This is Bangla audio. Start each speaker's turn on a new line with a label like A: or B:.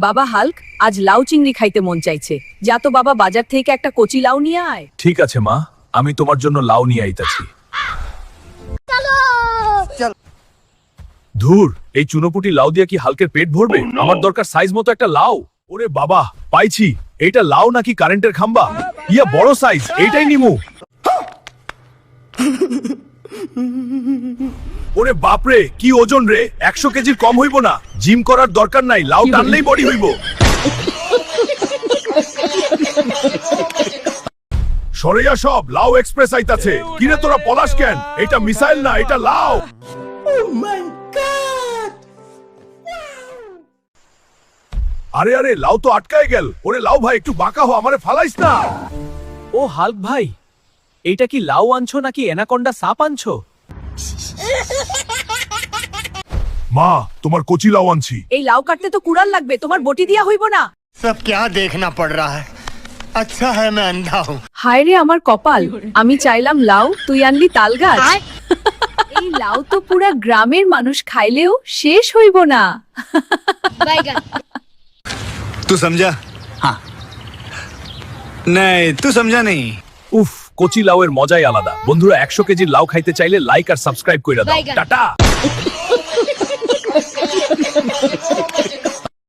A: বাবা হাল্ক, আজ লাউ চিংড়ি খাইতে মন চাইছে। যা তো বাবা, বাজার থেকে একটা কচি লাউ নিয়ে আয়।
B: ঠিক আছে মা, আমি তোমার জন্য লাউ নিয়ে আইতাছি। ধুর, এই চুনোপুটি লাউ দিয়ে কি হালকের পেট ভরবে? আমার দরকার সাইজ মতো একটা লাউ। ওরে বাবা, পাইছি। এইটা লাউ নাকি কারেন্টের খাম্বা? ইয়া বড় সাইজ, এইটাই নিমু। ওরে বাপরে, কি ওজন রে! 100 কেজির কম হইব না। জিম করার দরকার নাই, লাউ টানলেই বডি হইব। সরেয়া সব, লাউ এক্সপ্রেস আইতাছে। কিরে তোরা পলাশ কেন? এটা মিসাইল না, এটা লাউ। আরে আরে, লাউ তো আটকায় গেল। ওরে লাউ ভাই, একটু বাঁকা হো, আমারে ফালাইস না।
C: ও হাল্ক ভাই, এইটা কি লাউ আনছো নাকি অ্যানাকোন্ডা সাপ আনছো?
B: মা, তোমার কচি লাউ আনছি।
A: এই লাউ কাটতে তো কুড়াল লাগবে, তোমার বটি দিয়া হইব না।
D: सब क्या देखना पड़ रहा है। अच्छा है मैं अंधा हूँ।
A: হায় রে আমার কপাল, আমি চাইলাম লাউ, তুই আনলি তাল গাছ। এই লাউ তো পুরা গ্রামের মানুষ খাইলেও শেষ হইব না।
D: तू समझा? हाँ। नहीं, तू समझा नहीं।
B: উফ, কচি লাউয়ের মজাই আলাদা। বন্ধুরা, 100 কেজির লাউ খাইতে চাইলে লাইক আর সাবস্ক্রাইব কইরা দাও। টাটা।